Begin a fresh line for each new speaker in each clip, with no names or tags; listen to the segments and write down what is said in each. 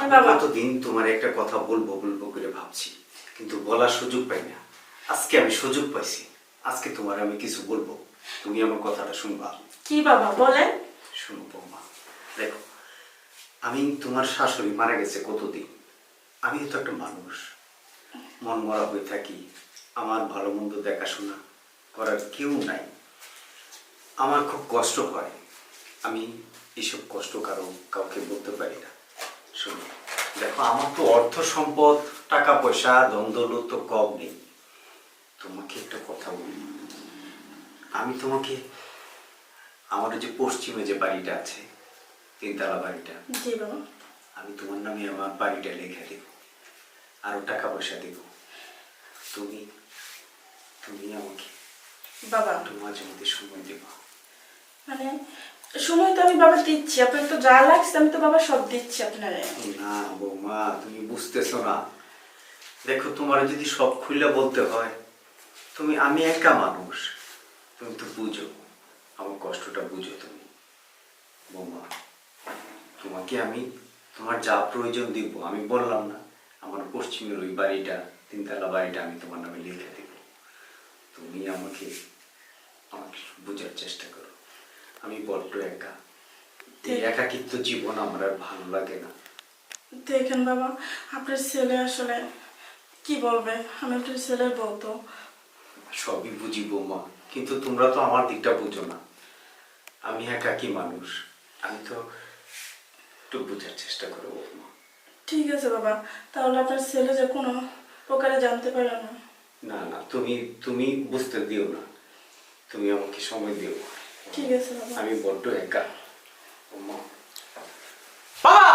আমি কতদিন তোমার একটা কথা বলবো বলবো করে ভাবছি, কিন্তু বলার সুযোগ পাই না। আজকে আমি সুযোগ পাইছি, আজকে তোমার আমি কিছু বলবো, তুমি আমার কথাটা শুনবা।
কি বাবা বলেন?
শুনো বৌমা, দেখো আমি তোমার শাশুড়ি মারা গেছে কতদিন, আমি তো একটা মানুষ, মন মরা হয়ে থাকি, আমার ভালো মন্দ দেখাশোনা করার কেউ নাই, আমার খুব কষ্ট হয়। আমি এসব কষ্ট কাউকে বলতে পারি না। শোনো, দেখো আমার তো অর্থ সম্পদ টাকা পয়সা ধন দৌলত তো কম নেই। তোমাকে একটা কথা বলি, আমি তোমাকে আমার যে পশ্চিমে যে বাড়িটা আছে, তিনতলা বাড়িটা,
জি বাবা,
আমি তোমার নামে আমার বাড়িটা লিখে দেব, আরো টাকা পয়সা দেব। তুমি তুমি আমাকে
বাবা
একটু মাঝে মধ্যে সময় দেবা।
মানে সময় তো আমি বাবা দিচ্ছি, আপনার তো যা লাগছে আমি তো বাবা সব দিচ্ছি আপনারে।
না বৌমা, তুমি বুঝতেছো না। দেখো তোমার যদি সব খুলে বলতে হয়, আমি একা মানুষ, তুমি তো বুঝো আমার কষ্টটা, বুঝো তুমি। বৌমা, তোমাকে আমি তোমার যা প্রয়োজন দিব, আমি বললাম না আমার পশ্চিমের ওই বাড়িটা, তিনতলা বাড়িটা আমি তোমার নামে লিখে দেব। তুমি আমাকে আমাকে বোঝার চেষ্টা করো, আমি বড্ড একা, এই একাকিত্ব জীবন আমার আর ভালো লাগে না।
দেখেন বাবা, আপনার ছেলে আসলে কি বলবে, আমি আপনার ছেলের বউ তো।
সবই বুঝি বৌমা, কিন্তু তোমরা তো আমার দিকটা বুঝো না। আমি একাকী মানুষ, আমি তো একটু বোঝার চেষ্টা করো বৌমা।
ঠিক আছে বাবা, তাহলে আপনার ছেলে যে কোনো প্রকারে জানতে পারে না।
না না, তুমি তুমি বুঝতে দিও না, তুমি আমাকে সময় দিও।
ঠিক আছে বাবা।
আমি বড্ড একা বৌমা।
বাবা!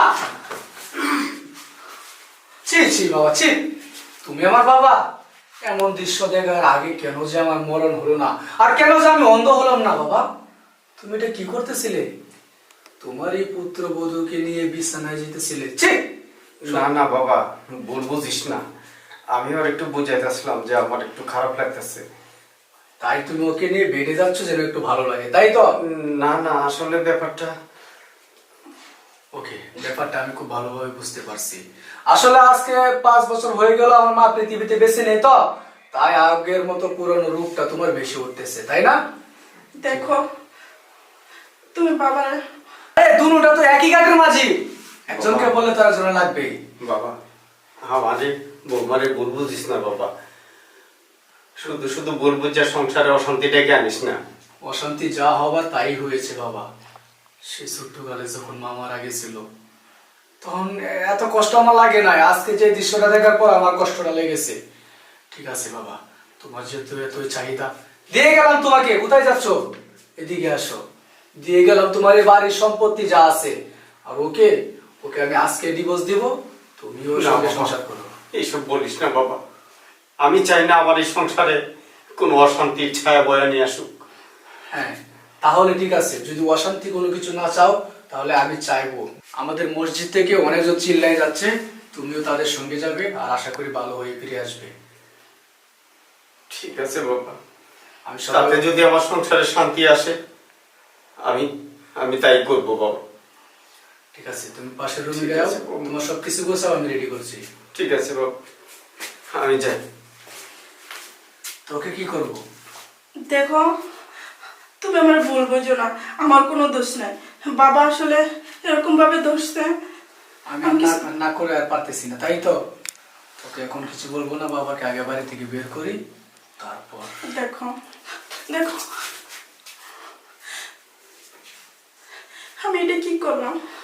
ছি ছি বাবা ছি, তুমি আমার বাবা? এমন দৃশ্য দেখার আগে কেন যে আমার মরণ হলো না, আর কেন যে আমি অন্ধ হলাম না বাবা? তুমি এটা কি করতেছিলে? তোমার এই পুত্রবধূকে নিয়ে বিছানায় যেতেছিলে? ছি!
না না বাবা, ভুল বুঝিস না, আমি আর একটু বুঝাইতেছিলাম যে আমার একটু খারাপ লাগতেছে।
তাই তুমি ওকে নিয়ে বেড়ে যাচ্ছ যেন একটু ভালো লাগে, তাই তো?
না না, আসলে ব্যাপারটা
ওকে, ব্যাপারটা আমি খুব ভালোভাবে বুঝতে পারছি। আসলে আজকে 5 বছর হয়ে গেল আমার মা পৃথিবীতে বেঁচে নেই, তো তাই আগের মতো পুরনো রূপটা তোমার বেশি উঠতেছে, তাই না?
দেখো তুমি বাবার,
আরে দুনুটা তো একই কাঠের মাঝি, একজনকে বললে তো একজন লাগবেই।
বাবা, আমারে বৌমারে ভুল বুঝিস না বাবা, শুধু শুধু ভুল বুঝা সংসারে অশান্তি ডেকে আনিস না।
অশান্তি যা হবার তাই হয়েছে বাবা। সে ছোট্টকালে যখন মা মারা গেছিল তখন এত কষ্ট আমার লাগে নাই, আজকে যে দৃশ্যটা দেখার পর আমার কষ্টটা লেগেছে। ঠিক আছে বাবা, তোমার যেহেতু এতই চাহিদা, দিয়ে গেলাম তোমাকে। কোথায় যাচ্ছ? এদিকে আসো। দিয়ে গেলাম তোমার এই বাড়ির সম্পত্তি যা আছে, আর ওকে ওকে আমি আজকে ডিভোর্স দিব, তুমিও
না
সঙ্গে
বাবা,
সংসার করো।
এইসব বলিস না বাবা, আমি চাই না আমার এই সংসারে কোনো অশান্তির ছায়া বয়ে নিয়ে আসুক।
হ্যাঁ, তাহলে ঠিক আছে, যদি অশান্তি কোনো কিছু না চাও তাহলে আমি চাইবো। আমাদের মসজিদ থেকে অনেকজন চিল্লাই যাচ্ছে, তুমিও তাদের সঙ্গে যাবে, আর আশা করি ভালো হয়ে ফিরে আসবে।
ঠিক আছে বাবা,
আমি
তাতে
সবাই,
যদি আমার সংসারে শান্তি আসে আমি আমি তাই করবো বাবা।
ঠিক আছে তুমি পাশের রুমে
ঠিক
যাও,
আছে, বাবা।
তোমার সবকিছু গোছাও, আমি রেডি করছি।
ঠিক আছে বাবা, আমি যাই।
তোকে কি করবো?
দেখো তুমি আমার ভুল বোঝো না, আমার কোনো দোষ নাই। বাবা আসলে এরকম ভাবে দোষছে,
আমি আর না করে আর পারতেছি না, তাই তো? তোকে এখন কিছু বলবো না, বাবাকে আগে বাড়ি থেকে বের করি, তারপর।
দেখো দেখো আমি এটা কি করলাম?